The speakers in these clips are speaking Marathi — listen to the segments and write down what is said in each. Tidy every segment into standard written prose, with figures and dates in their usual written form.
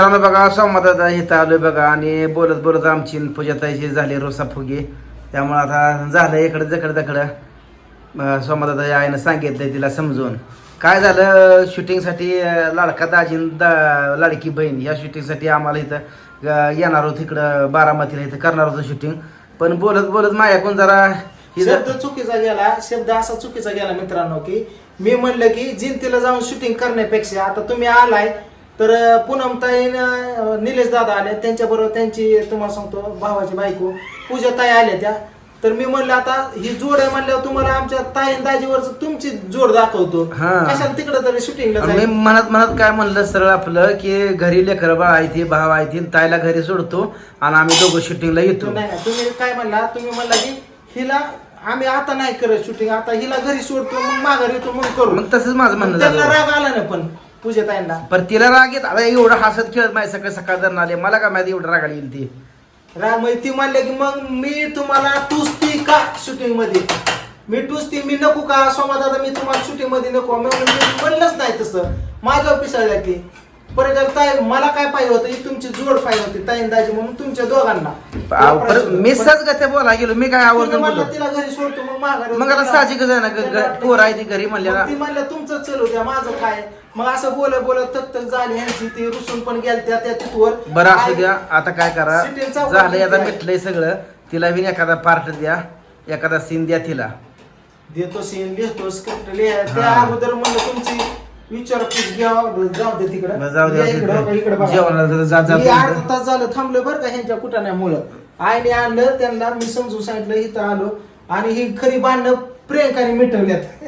बघा सोमवारचा इथं आलोय बघा आणि बोलत बोलत आमची पूजाताईची झाली रोसा फुगे. त्यामुळे आता झालं इकडं जकडं तकडं. सोमवारचा आईनं सांगितलंय तिला समजून. काय झालं शूटिंगसाठी लाडका दाजीन लाडकी बहीण या शूटिंगसाठी आम्हाला इथं येणार होत इकडं बारामतीला इथं करणार होतं शूटिंग. पण बोलत बोलत माझ्याकडून जरा शब्द चुकीचा गेला. शब्द असा चुकीचा गेला मित्रांनो की मी म्हणलं की जिंतीला जाऊन शूटिंग करण्यापेक्षा आता तुम्ही आलाय तर पूनमताई निलेश दादा आले त्यांच्याबरोबर त्यांची तुम्हाला सांगतो भावाची बायको पूजाताई आल्या त्या. तर मी म्हणलं आता ही जोड आहे म्हणल्यावर तुम्हाला आमच्या ताई दाजीवर तुमची जोड दाखवतो. कशाला तिकडे तरी शूटिंगला मी म्हणत काय म्हणलं सरळ आपलं की घरी लेकर बाळ आहे ती भाव आहे ती ताईला घरी सोडतो आणि आम्ही दोघं शूटिंगला येतो. नाही तुम्ही काय म्हणला तुम्ही म्हणला की हिला आम्ही आता नाही करत शूटिंग आता हिला घरी सोडतो मग माघारी येतो मग करू. मग तसंच माझं म्हणणं त्यांना झालं. राग आला ना पण पूजाताईंना पण तिला राग येत आता एवढं हसत खेळत माझ्या सकाळ सकाळ धरण आले मला काय माहिती एवढं राग येईल ती. राग ती म्हणले की मग मी तुम्हाला टुसती का शूटिंग मध्ये मी टुसती मी नको का सोमा दादा मी तुम्हाला शूटिंग मध्ये नको मी म्हणलंच नाही तसं माझ्या पिसाळल्या ती. परत ताई मला काय पाहिजे होतं ही तुमची जोड पाहिजे होती ताई दाजी म्हणून तुमच्या दोघांना. मी सहज गते बोला गेलो मी काय आवडतो तिला घरी सोडतो मग माघारी मग आता साहजिकच आहे ना पोर आहे ती घरी म्हणल्या ती म्हणलं तुमचं चलू द्या माझं काय. मग असं बोलत बोलत तक झाली ह्यांची ती रुसून पण गेल्या त्या तिथवर. बरं असू द्या आता काय करा झालंय आता मिटलंय सगळं. तिला बी एखादा पार्ट द्या एखादा सीन द्या तिला. देतो सीन लिहितो स्क्रिप्ट लिहा त्या अगोदर म्हणलं तुमची विचारपूस घ्या जाऊ दे तिकडे जाऊ दे जेवणाला अर्धा तास झालं थांबलं बरं का ह्यांच्या कुटाण्यामुळं. आईने आणलं त्यांना मी समजून सांगितलं इथं आलो आणि ही खरी भांडणं प्रियंकाने मिटवल्यात.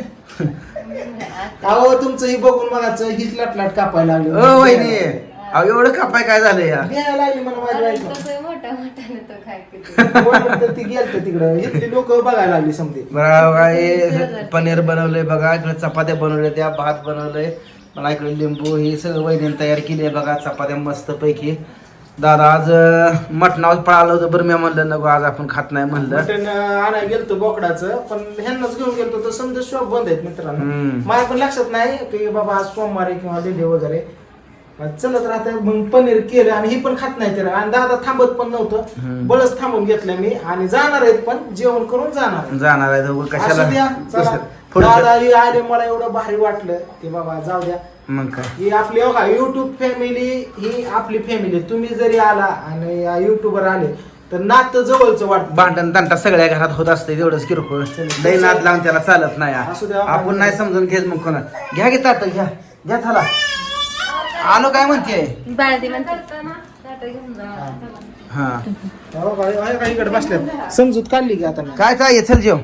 अहो तुमचं ही बघून मगाच हीच लाटलाट कापायला लागली. एवढं कापाय काय झालं या घ्यायला लागली मला माझी ती गेलत तिकडं इथली लोक बघायला लागली समजे. पनीर बनवलंय बघा इकडे चपात्या बनवल्या त्या भात बनवलंय मला इकडे लिंबू हे सगळं वहिनीने तयार केली आहे बघा चपात्या मस्त पैकी. दादा आज मटणावर पळालं होतं बरं मी म्हणलं नको आज आपण खात नाही म्हणलं. मटण आणायला गेलतो बोकडाचं पण ह्यांनाच घेऊन गेलतो तर समजा शॉप बंद आहेत मित्रांनो. मला पण लक्षात नाही की बाबा आज सोमवार किंवा डेली वगैरे चलत राहत मग पनीर केलं आणि ही पण खात नाही आणि दादा थांबत पण नव्हतं बळच थांबून घेतलं मी आणि जाणार आहेत पण जेवण करून जाणार आहे कशाला दादा आले मला एवढं भारी वाटलं की बाबा जाऊ द्या. मग काय ही आपली युट्यूब फॅमिली ही आपली फॅमिली. तुम्ही जरी आला आणि युट्यूबर आले तर नातं जवळचं वाटतं. भांडण तंटा सगळ्या घरात होत असते तेवढंच किरकोळ लई नाद लावून त्याला चालत नाही. आपण नाही समजून घेत मग कोणा घ्या की ताट घ्या घ्या थाला आलो काय म्हणते इकडे बसल्या समजूत काढली की आता काय काय चल जेव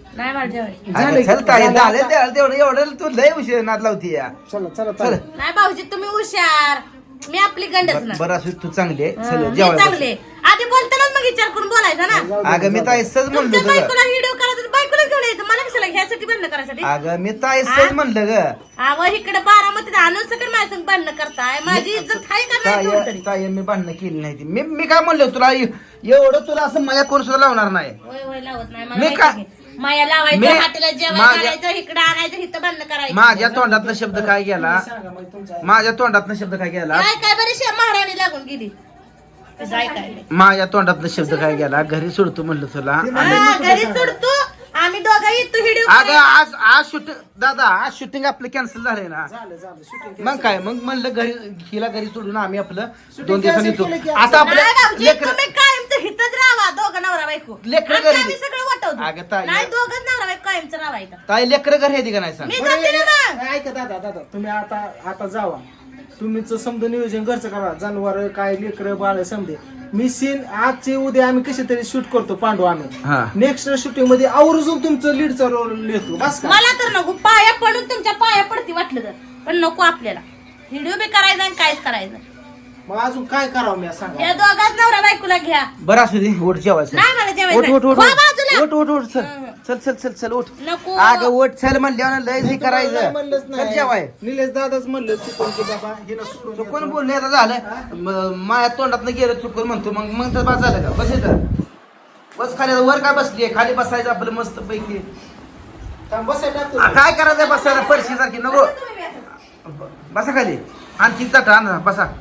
चला एवढं तू लय उशीर नाद लावती या. चला नाही भाऊजी तुम्ही हुशार मी आपली गंडच बरं असू तू चांगली आहे चल चांगले जेवायला. आधी बोलतानाच मग विचार करून बोलायचा ना. अगं मी ताई सहज म्हणलं तुमच्या होतं बायकोला व्हिडिओ करायचा बायकोला घेऊन यायचं मला कशाला ह्यासाठी बंद करायसाठी. अगं मी ताई सहज म्हणलं ग व इकडे बारामतीत आणून सगळं माझ्या संग भांडणं करताय माझी इज्जत आहे का नाही थोडी तरी. ताई मी भांडणं केली नाही ती. मी काय म्हणलं तुला एवढं तुला असं माझ्या कोण सुद्धा लावणार नाही. होय लावत नाही मी मला काय- माहिती आहे. माया लावायचं हातीला जेवण करायचं इकडं आणायचं इथं बंद करायचं. माझ्या तोंडातनं शब्द काय गेला माझ्या तोंडातनं शब्द काय गेला काय बरेचशे महाराणी लागून गेली तसं ऐकायला. माझ्या तोंडातनं शब्द काय गेला घरी सोडतो म्हणलं तुला. घरी सोडतो आम्ही दोघं येतो व्हिडिओ. अगं आज शूटिंग दादा आज शूटिंग आपलं कॅन्सल झालंय ना. मग काय मग म्हणलं घरी हिला घरी सोडून आम्ही आपलं 2 दिवसांनी येतो. आता आपल्या लेकर तुम्ही कायमचं हितच राहा दोघं नवरा बायको. लेकरं आणि घरी- आम्ही सगळं वाटवतो. अगं ताई- नाही दोघंच नवरा बायको कायमचं राहायचं. ताई लेकर घरी येते का नाही सांग. मी जाते ना मग. ऐका दादा तुम्ही आता जावा तुम्हीच समजा नियोजन घरचं करा जनावर काय लेकर बाळ समजे. मी सीन आजचे उद्या आम्ही कसे तरी शूट करतो पांडू आम्ही नेक्स्ट शूटिंग मध्ये आवर्जून तुमचं लीडचा रोल लिहितो बस का. मला तर नको पाया पडून तुमच्या पाया पडती वाटलं तर पण नको आपल्याला व्हिडिओ बी करायचा आणि काहीच करायचं. मग अजून काय करावं मी सांगा. या दोघांच नवरा बायकोला घ्या. बरं असू दे उठ जेवायचं. नाही मला उठ जेवायचं. उठ उठ हो बाजूला. उठ चल चल चल चल उठ. नको. अगं उठ चल म्हणल्यावर लय हे करायचं म्हणलंच चल जेवाय. निलेश दादाच म्हणलं चुकून की बाबा हिला सोडून चुकून बोलले आता झालं माझ्या तोंडात गेलं चुकून म्हणतो मग तर बस झालं का बस येतं बस खाली वर काय बसली खाली बसायचं आपलं मस्त पैकी. बसायला काय करायचं बसायला फरशी सारखी नको बसा खाली आणखी चट आण बसा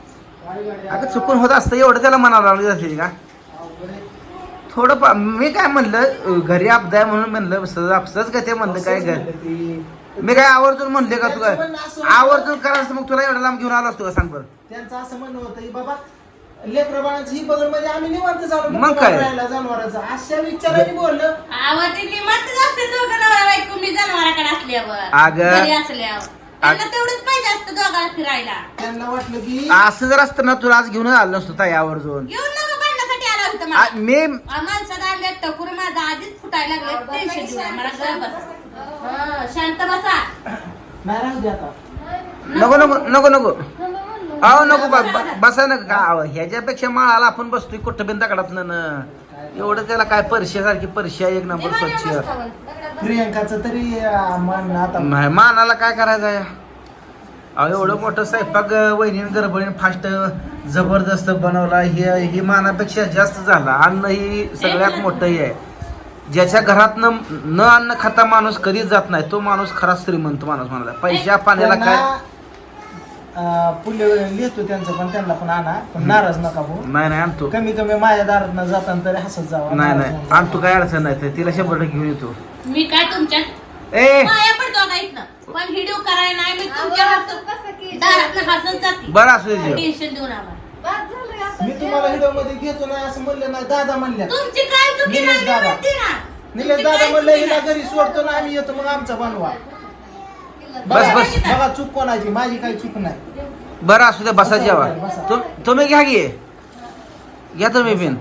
अगं चुकून होत असतं एवढं त्याला म्हणावं लागली जाते का थोडं मी काय म्हणलं घरी आपदा आहे म्हणून म्हणलं सहज का ते म्हणलं काय घर मी काय आवर्जून म्हणले का तू काय आवर्जून करायचं मग तुला एवढा लांब घेऊन आला असतो का सांग बरं. त्यांचं असं म्हणणं होतं की बाबा लेकरं बाळांची ही बघल म्हणजे आम्ही निवांत झालो मग काय? जनावरांचा अशा विचाराने बोललं. आवाज ते निमंत्रण असते दोघं नवरा बायको मी जनावराकडे असल्यावर अगं. घरी असल्यावर त्यांना तेवढंच पाहिजे असतं दोघाला फिरायला. त्यांना वाटलं की असं जर असतं ना तुला आज घेऊन आलं नसतो ताई आवर्जून घेऊन नका भांडण्यासाठी आला होता मला. मी माणसाला आणल्या टकुर माझा आधीच फुटायला लागले टेन्शन घेऊन मला गप्प बस. शांत बसा. नाही राहू दे आता. नको नको नको नको अहो नको बसा ना का ह्याच्यापेक्षा माळाला आपण बसतोय कुठं बिन दगडात ना एवढं त्याला काय परश्यासारखी परश्या एक नंबर स्वच्छ प्रियंकाचं तरी मन आता नाही, मानाला काय करायचं आहे अहो एवढं मोठं स्वयंपाक वहिनीन गडबडीन फास्ट जबरदस्त बनवला हे मानापेक्षा जास्त झाला अन्न ही सगळ्यात मोठं हे आहे ज्याच्या घरात न अन्न खाता माणूस कधीच जात नाही तो माणूस खरा श्रीमंत माणूस म्हणाला पैशा पाण्याला काय पुल्य लिहितो त्यांचं पण त्यांना पण आणा पण नाराज नका भाऊ. नाही आणतो कमी कमी माझ्या दारात जाताना तरी हसत जावा. नाही आणतो काय अडचण नाही तर तिला 100% घेऊन येतो मी काय तुमच्या ए पाया पडतो का इथनं पण व्हिडिओ करायला नाही मी तुमच्या दारात हसत जाते. बरं असू दे जेव. टेन्शन देऊ नका. मी तुम्हाला व्हिडिओ मध्ये घेतो नाही असं म्हणलं नाही दादा म्हणल्या तुमची काय चुकी निलेश नाही दादा. म्हणते ना. निलेश तुमची दादा काय म्हणलं चुकी हिला नाही. घरी सोडतो ना आम्ही येतो मग आमचा बनवा. बस बस बघा चूक कोणाची माझी काही चूक नाही. बरं असू द्या बसा जेवा तुम्ही घ्या घे घ्या तुम्ही बिन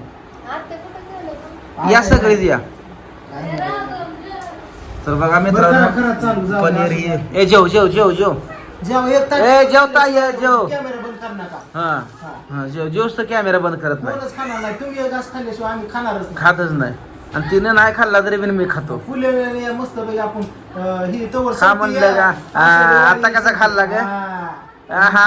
या सगळीच या तर बघा बरं, खरंच चालू, मित्रांनो जाऊ, पनीर जाऊ. हे ए जेव जेव जेव जेव जेव्हा एक ताट- ए, जेवता ये, जेव. कॅमेरा बंद कर नका. हा जेव जेवच तर कॅमेरा बंद करत नाही कोणच खाणार नाही तुम्ही एक घास खाल्ल्याशिवाय आम्ही खाणारच नाही. खातच नाही आणि तिने नाही खाल्ला तरी बिन मी खातो फुले मस्त पैकी आपण ही तवर खा म्हणलं का? आता कसा खाल्ला ग? आहा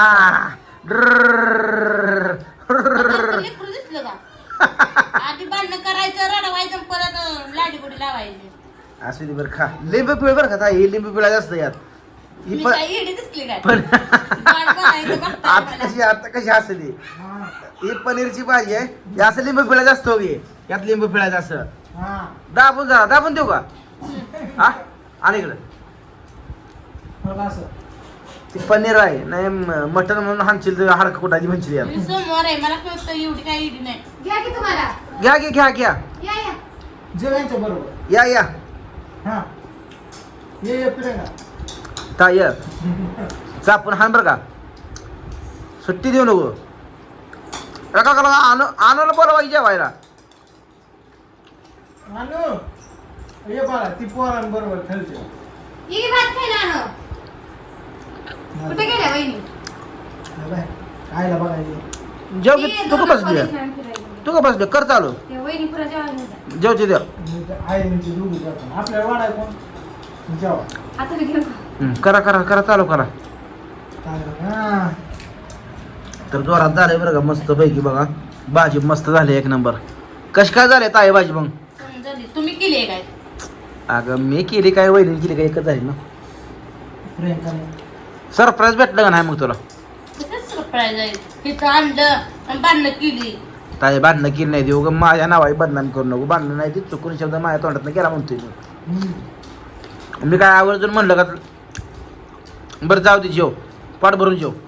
आता लेकरू दिसलं का? आधी भांडणं करायचं रडवायचं परत लाडीगुडी लावायची. असू दे बरं खा लिंबू पिळ बरं का ताई, लिंबू पिळा जास्त यात ही मी पण काय येडी दिसली काय? पण गाड बनायचं बघताय मला. आता कशी असते ही पनीरची भाजी आहे हे असं लिंबू पिळा जास्त हो घे यात लिंबू पिळायचं असं दाबून जा दाबून देऊ का हा आणि इकडं ती पनीर आहे नाही मटन म्हणून हाणशील तर हाडकं कुठाची म्हणशील यार मी सोमवार आहे मला कळतं एवढी काय येडी नाही. घ्या की तुम्हाला घ्या घे घ्या घ्या या या जेवायच्या बरोबर या या हा ये प्रियंका. ताय चापून हाण बरं का सुट्टी देऊ नको का आणूला बोलवायची जेवायला आणू ये बाळा ती पोरांबरोबर खेळते. ये भात खायला आणो. कुठे गेल्या वहिनी खायला बघायला जेव ये, तू का दोघं बसली college ला फिरायला. तू का बसले कर चालू त्या वहिनी पुरा जेवायला नेतात. जेवचे द्या आईची दोघी जातात आपल्याला वाढाय कोण जेवा. आता मी घेऊ का? करा करा करा चालू करा हा. तर जोरात झाले बरं का मस्त पैकी बघा भाजी मस्त झाली एक नंबर कशी काय झाले ताई भाजी मग समजली. तुम्ही केली आहे काय? अगं मी केली काय वहिनी केली काय एकच झाली ना प्रियंकाने सरप्राईज भेटलं का नाही मग तुला कसं सरप्राईज आहे तिथं आणलं आणि भांडणं केली. ताई भांडणं केली नाही देऊ ग माझ्या नावाची बदनामी करू नको भांडणं नाही ती चुकून शब्द माझ्या तोंडात गेला म्हणतोय मी काय आवर्जून म्हणलं का बरं जाऊ दे जेव पाठ भरून जेव